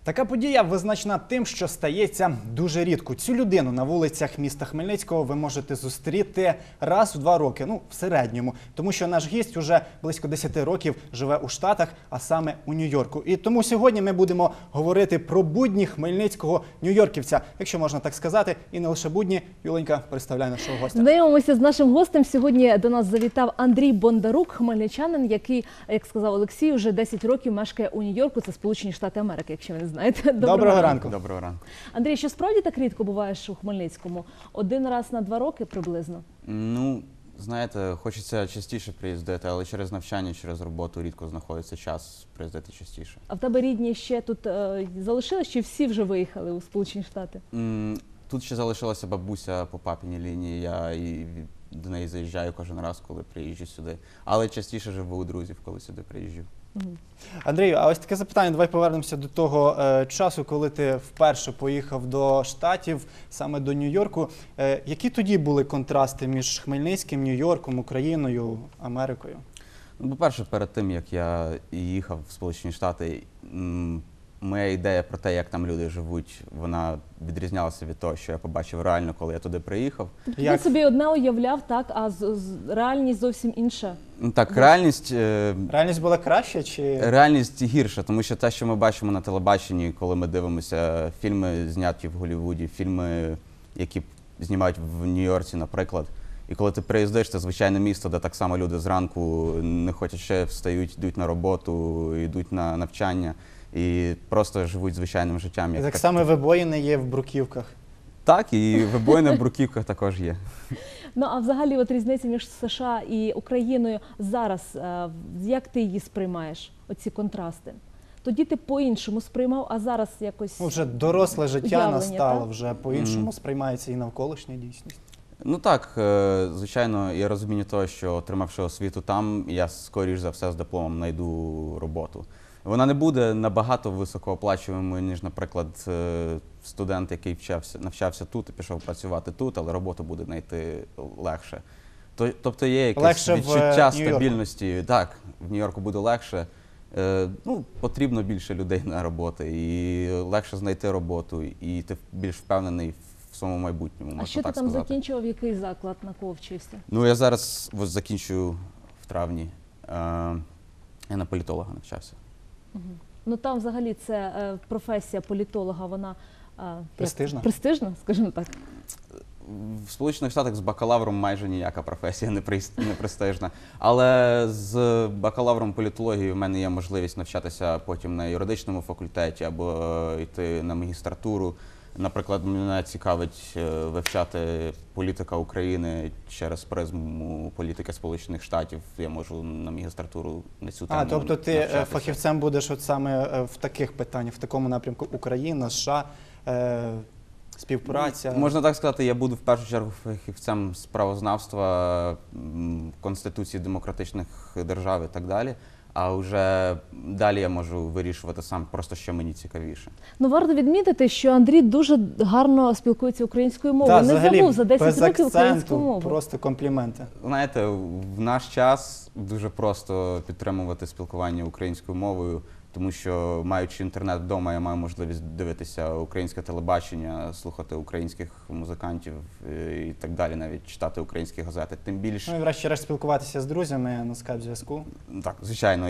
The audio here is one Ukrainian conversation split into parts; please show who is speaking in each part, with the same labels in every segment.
Speaker 1: Така подія визначена тим, що стається дуже рідко. Цю людину на вулицях міста Хмельницького ви можете зустріти раз в 2 роки, в середньому. Тому що наш гість уже близько 10 років живе у Штатах, а саме у Нью-Йорку. І тому сьогодні ми будемо говорити про будні хмельницького нью-йорківця, якщо можна так сказати, і не лише будні. Юленька, представляй нашого гостя.
Speaker 2: Знайомимося з нашим гостем. Сьогодні до нас завітав Андрій Бондарук, хмельничанин, який, як сказав Олексій, вже 10 років мешкає у Нью-Йорку. Це Сполучені Штати Америки, якщо ви не знаєте.
Speaker 1: Доброго ранку.
Speaker 3: Доброго ранку.
Speaker 2: Андрій, що справді так рідко буваєш у Хмельницькому? Один раз на 2 роки приблизно?
Speaker 3: Ну, знаєте, хочеться частіше приїздити, але через навчання, через роботу рідко знаходиться час приїздити частіше.
Speaker 2: А в тебе рідні ще тут залишились, чи всі вже виїхали у Сполучені Штати?
Speaker 3: Тут ще залишилася бабуся по папіній лінії, я до неї заїжджаю кожен раз, коли приїжджу сюди. Але частіше живу у друзів, коли сюди приїжджу.
Speaker 1: Андрію, а ось таке запитання, давай повернемося до того часу, коли ти вперше поїхав до Штатів, саме до Нью-Йорку. Які тоді були контрасти між Хмельницьким, Нью-Йорком, Україною, Америкою?
Speaker 3: Ну, по-перше, перед тим, як я їхав в Сполучені Штати, моя ідея про те, як там люди живуть, вона відрізнялася від того, що я побачив реально, коли я туди приїхав.
Speaker 2: Тобто ти собі одне уявляв, так, а реальність зовсім інша?
Speaker 3: Так, реальність...
Speaker 1: Реальність була краща чи...
Speaker 3: Реальність гірша, тому що те, що ми бачимо на телебаченні, коли ми дивимося фільми, зняті в Голлівуді, фільми, які знімають в Нью-Йорці, наприклад, і коли ти приїздиш, це звичайне місто, де так само люди зранку не хочуть ще встають, йдуть на роботу, йдуть на навчання і просто живуть звичайним життям.
Speaker 1: І так само вибоїни є в бруківках.
Speaker 3: Так, і вибоїни в бруківках також є.
Speaker 2: Ну, а взагалі от різниця між США і Україною зараз, як ти її сприймаєш, оці контрасти? Тоді ти по-іншому сприймав, а зараз якось...
Speaker 1: Вже доросле життя настало,
Speaker 2: так?
Speaker 1: вже по-іншому сприймається і навколишня дійсність.
Speaker 3: Ну так, звичайно, я розумію того, що отримавши освіту там, я скоріш за все з дипломом знайду роботу. Вона не буде набагато високооплачуваною, ніж, наприклад, студент, який навчався тут і пішов працювати тут, але роботу буде знайти легше. Тобто є якесь відчуття стабільності. Так, в Нью-Йорку буде легше. Ну, потрібно більше людей на роботу, і легше знайти роботу, і ти більш впевнений в своєму майбутньому, можна так сказати.
Speaker 2: А що ти там закінчував, який заклад, на кого вчився?
Speaker 3: Ну, я зараз закінчую в травні. Я на політолога навчався.
Speaker 2: Ну там взагалі це професія політолога, вона
Speaker 1: престижна?
Speaker 2: Престижна, скажімо так.
Speaker 3: В Сполучених Штатах з бакалавром майже ніяка професія не престижна. Але з бакалавром політології в мене є можливість навчатися потім на юридичному факультеті або йти на магістратуру. Наприклад, мене цікавить вивчати політика України через призму політики Сполучених Штатів. Я можу на магістратуру на цю тему навчатися.
Speaker 1: Тобто ти фахівцем будеш от саме в таких питаннях, в такому напрямку Україна, США, співпраця?
Speaker 3: Можна так сказати, я буду в першу чергу фахівцем з правознавства, Конституції демократичних держав і так далі. А вже далі я можу вирішувати сам, просто що мені цікавіше.
Speaker 2: Ну, варто відмітити, що Андрій дуже гарно спілкується українською мовою. Не забув за 10 років українську мову.
Speaker 1: Просто компліменти.
Speaker 3: Знаєте, в наш час дуже просто підтримувати спілкування українською мовою, тому що, маючи інтернет вдома, я маю можливість дивитися українське телебачення, слухати українських музикантів і так далі, навіть читати українські газети. Тим більше...
Speaker 1: Ну і врешті-решт спілкуватися з друзями на скайп-зв'язку.
Speaker 3: Так, звичайно.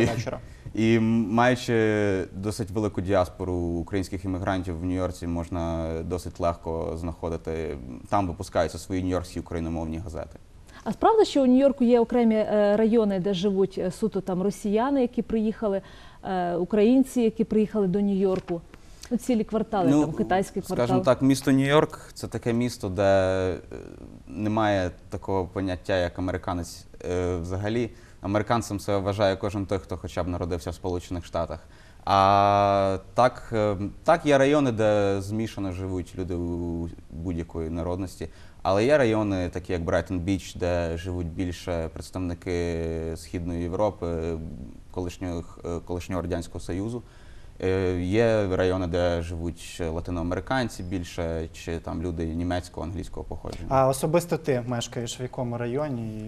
Speaker 3: І маючи досить велику діаспору українських іммігрантів в Нью-Йорці, можна досить легко знаходити, там випускаються свої нью-йоркські україномовні газети.
Speaker 2: А справді, що у Нью-Йорку є окремі райони, де живуть суто там росіяни, які приїхали, українці, які приїхали до Нью-Йорку? Ну, цілі квартали, там китайський квартал.
Speaker 3: Скажімо так, місто Нью-Йорк – це таке місто, де немає такого поняття, як американець взагалі. Американцем себе вважає кожен той, хто хоча б народився в Сполучених Штатах. А так є райони, де змішано живуть люди будь-якої народності. Але є райони, такі як Брайтон-Біч, де живуть більше представники Східної Європи, колишнього Радянського Союзу. Є райони, де живуть латиноамериканці більше, чи там люди німецького, англійського походження.
Speaker 1: А особисто ти мешкаєш в якому районі?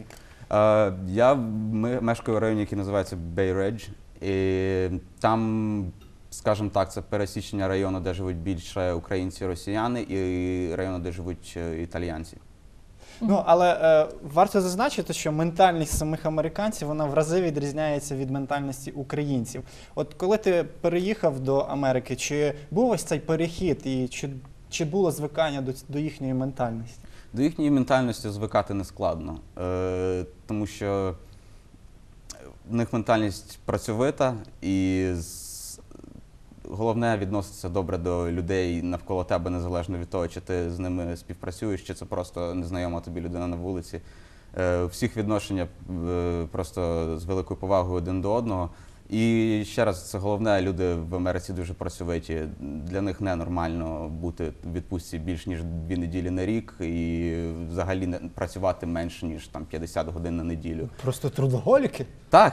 Speaker 3: Я мешкаю в районі, який називається Bay Ridge. І там скажімо так, це пересічення району, де живуть більше українці і росіяни, і району, де живуть італіянці.
Speaker 1: Ну, але варто зазначити, що ментальність самих американців, вона в рази відрізняється від ментальності українців. От коли ти переїхав до Америки, чи був ось цей перехід, і чи було звикання до їхньої ментальності?
Speaker 3: До їхньої ментальності звикати не складно, тому що в них ментальність працьовита, і головне відноситися добре до людей навколо тебе, незалежно від того, чи ти з ними співпрацюєш, чи це просто незнайома тобі людина на вулиці. Всіх відношення просто з великою повагою один до одного. І ще раз, це головне, люди в Америці дуже працьовиті. Для них ненормально бути в відпустці більш ніж 2 неділі на рік і взагалі працювати менше, ніж там 50 годин на неділю.
Speaker 1: Просто трудоголіки?
Speaker 3: Так.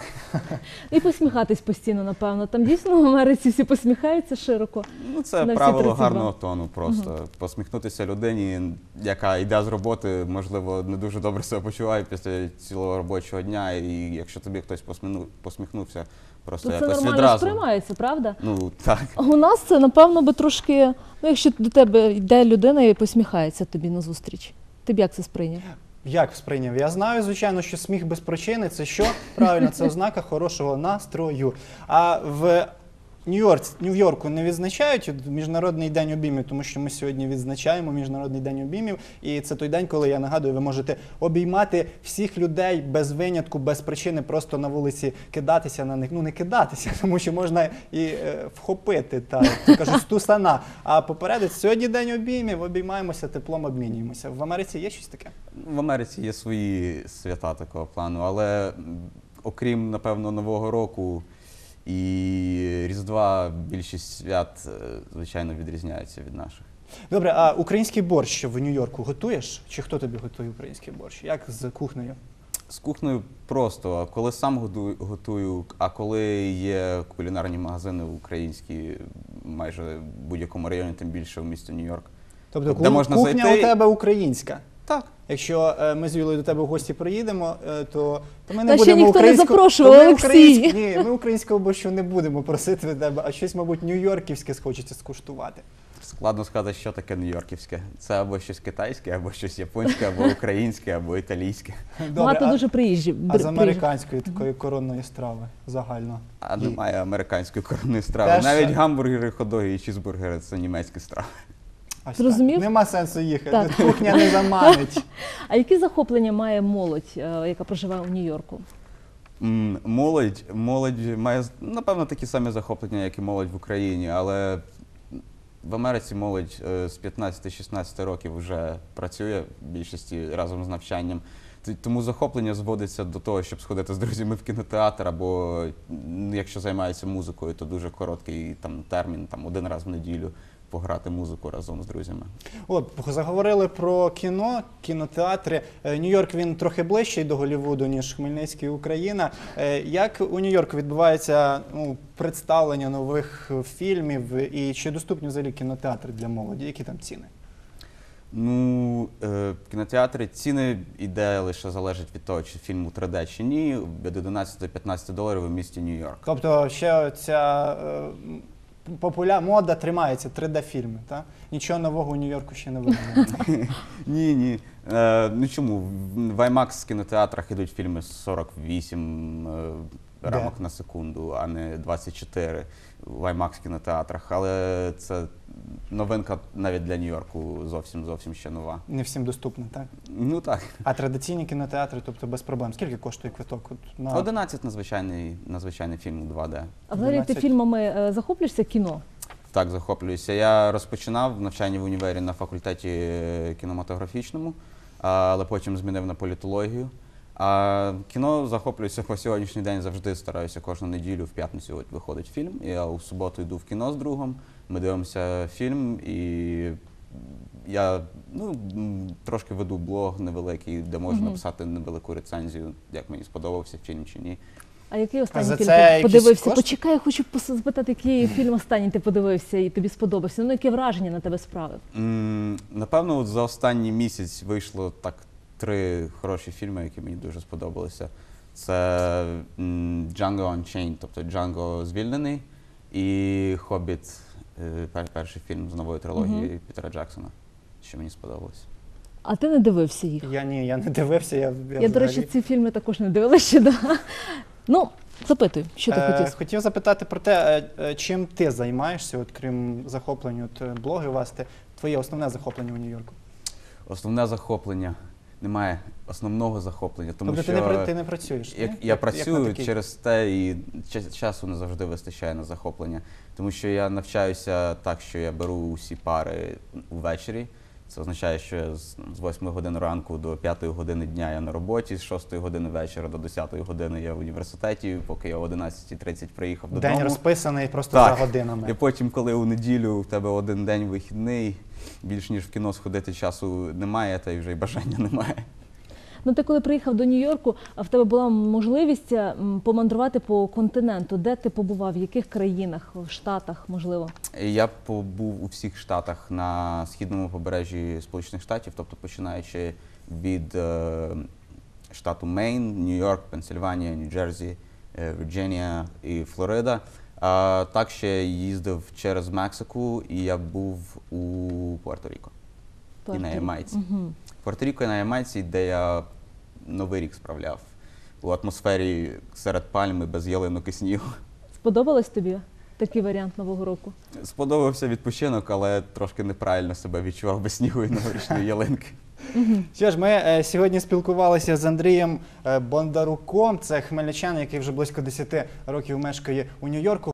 Speaker 2: І посміхатись постійно, напевно. Там дійсно в Америці всі посміхаються широко.
Speaker 3: Ну, це
Speaker 2: на всі
Speaker 3: правило
Speaker 2: 32.
Speaker 3: гарного тону просто. Посміхнутися людині, яка йде з роботи, можливо, не дуже добре себе почуває після цілого робочого дня, і якщо тобі хтось посміхнувся, просто
Speaker 2: То це
Speaker 3: якось
Speaker 2: нормально
Speaker 3: відразу.
Speaker 2: сприймається, правда?
Speaker 3: Ну, так.
Speaker 2: У нас це, напевно, би трошки, ну, якщо до тебе йде людина і посміхається тобі назустріч. Ти б як це сприйняв?
Speaker 1: Як сприйняв? Я знаю, звичайно, що сміх без причини – це що? Правильно, це ознака хорошого настрою. А в Нью-Йорку не відзначають Міжнародний день обіймів, тому що ми сьогодні відзначаємо Міжнародний день обіймів. І це той день, коли, я нагадую, ви можете обіймати всіх людей без винятку, без причини, просто на вулиці кидатися на них. Ну, не кидатися, тому що можна і вхопити, так, то кажуть, з тусана. А попередить, сьогодні день обіймів, обіймаємося, теплом обмінюємося. В Америці є щось таке?
Speaker 3: В Америці є свої свята такого плану, але окрім, напевно, Нового року і Різдва, більшість свят, звичайно, відрізняються від наших.
Speaker 1: Добре, а український борщ в Нью-Йорку готуєш? Чи хто тобі готує український борщ? Як з кухнею?
Speaker 3: З кухнею просто. Коли сам готую, а коли є кулінарні магазини українські майже в будь-якому районі, тим більше в місті Нью-Йорк.
Speaker 1: Тобто
Speaker 3: де можна
Speaker 1: кухня
Speaker 3: зайти
Speaker 1: у тебе українська?
Speaker 3: Так.
Speaker 1: Якщо ми з Юлею до тебе в гості приїдемо, то ми не
Speaker 2: Та ще
Speaker 1: будемо
Speaker 2: ніхто не запрошував, Олексій.
Speaker 1: Ні, ми українського борщу не будемо просити від тебе, а щось, мабуть, нью-йорківське схочеться скуштувати.
Speaker 3: Складно сказати, що таке нью-йорківське. Це або щось китайське, або щось японське, або українське, або італійське.
Speaker 2: Багато дуже приїжджі.
Speaker 1: А з американської такої коронної страви загально?
Speaker 3: А немає американської коронної страви.
Speaker 1: Теж-
Speaker 3: Навіть гамбургери, хот-доги і чізбургери – це німецькі страви.
Speaker 1: Ось
Speaker 2: Зрозумів?
Speaker 1: так. Нема сенсу їхати,
Speaker 2: Так.
Speaker 1: кухня не заманить.
Speaker 2: А які захоплення має молодь, яка проживає у Нью-Йорку?
Speaker 3: Молодь має, напевно, такі самі захоплення, як і молодь в Україні, але в Америці молодь з 15-16 років вже працює в більшості разом з навчанням. Тому захоплення зводиться до того, щоб сходити з друзями в кінотеатр, або якщо займаються музикою, то дуже короткий термін, 1 раз в неділю пограти музику разом з друзями.
Speaker 1: От, заговорили про кіно, кінотеатри. Нью-Йорк, він трохи ближчий до Голлівуду, ніж Хмельницький, Україна. Як у Нью-Йорку відбувається представлення нових фільмів і чи доступні взагалі кінотеатри для молоді? Які там ціни?
Speaker 3: Ну, в кінотеатрі ціни іде лише залежить від того, чи фільм у 3D чи ні, від 11 до 15 доларів у місті Нью-Йорк.
Speaker 1: Тобто ще ця мода тримається, 3D-фільми, так? Нічого нового у Нью-Йорку ще не видно.
Speaker 3: Ні. Ну чому? В IMAX кінотеатрах ідуть фільми з 48 рамок на секунду, а не 24 в IMAX кінотеатрах. Але це новинка навіть для Нью-Йорку зовсім ще нова.
Speaker 1: Не всім доступно, так?
Speaker 3: Ну так.
Speaker 1: А традиційні кінотеатри, тобто без проблем. Скільки коштує квиток?
Speaker 3: 11 на звичайний фільм у 2D.
Speaker 2: А взагалі ти
Speaker 1: 12.
Speaker 2: фільмами захоплюєшся кіно?
Speaker 3: Так, захоплююся. Я розпочинав навчання в універі на факультеті кінематографічному, але потім змінив на політологію. А кіно захоплююся по сьогоднішній день, завжди стараюся кожну неділю, в п'ятницю виходить фільм. Я у суботу йду в кіно з другом, ми дивимося фільм, і я трошки веду блог невеликий, де можу написати невелику рецензію, як мені сподобався фільм чи ні.
Speaker 2: А який останній
Speaker 1: за
Speaker 2: фільм
Speaker 1: це
Speaker 2: ти
Speaker 1: якісь
Speaker 2: подивився?
Speaker 1: кошти?
Speaker 2: Почекай, я хочу запитати, який фільм останній ти подивився і тобі сподобався? Ну, яке враження на тебе справив?
Speaker 3: Напевно, от за останній місяць вийшло так 3 хороші фільми, які мені дуже сподобалися. Це Django Unchained, тобто Джанго звільнений, І «Хобіт», перший фільм з нової трилогії Пітера Джексона, що мені сподобалось.
Speaker 2: А ти не дивився їх?
Speaker 1: Я не дивився. Я
Speaker 2: До речі, ці фільми також не дивилася ще. Да. Ну, запитуй, що ти хотів?
Speaker 1: Хотів запитати про те, чим ти займаєшся, от крім захоплення, от блоги у вас, твоє основне захоплення у Нью-Йорку?
Speaker 3: Основне захоплення. Немає основного захоплення, тому
Speaker 1: Тобто
Speaker 3: що
Speaker 1: ти не працюєш? ні?
Speaker 3: я працюю
Speaker 1: такий?
Speaker 3: через те, і часу не завжди вистачає на захоплення. Тому що я навчаюся так, що я беру усі пари ввечері. Це означає, що я з 8 години ранку до 5 години дня я на роботі, з 6 години вечора до 10 години я в університеті, поки я о 11:30 приїхав додому.
Speaker 1: День розписаний просто
Speaker 3: Так.
Speaker 1: за годинами.
Speaker 3: І потім, коли у неділю в тебе один день вихідний, більш ніж в кіно сходити часу немає, та й вже й бажання немає.
Speaker 2: Ну, ти коли приїхав до Нью-Йорку, в тебе була можливість помандрувати по континенту. Де ти побував? В яких країнах? В Штатах, можливо?
Speaker 3: Я побув у всіх штатах на східному побережжі Сполучених Штатів, тобто починаючи від штату Мейн, Нью-Йорк, Пенсильванія, Нью-Джерсі, Вірджинія і Флорида. Так ще їздив через Мексику, і я був у Пуерто-Ріко і на Ямайці.
Speaker 2: Угу.
Speaker 3: Пуерто-Ріко і на Ямайці, де я Новий рік справляв у атмосфері серед пальми, без ялинок і снігу.
Speaker 2: Сподобалось тобі такий варіант Нового року?
Speaker 3: Сподобався відпочинок, але трошки неправильно себе відчував без снігу і новорічної ялинки.
Speaker 1: Що ж, ми сьогодні спілкувалися з Андрієм Бондаруком. Це хмельничанин, який вже близько 10 років мешкає у Нью-Йорку.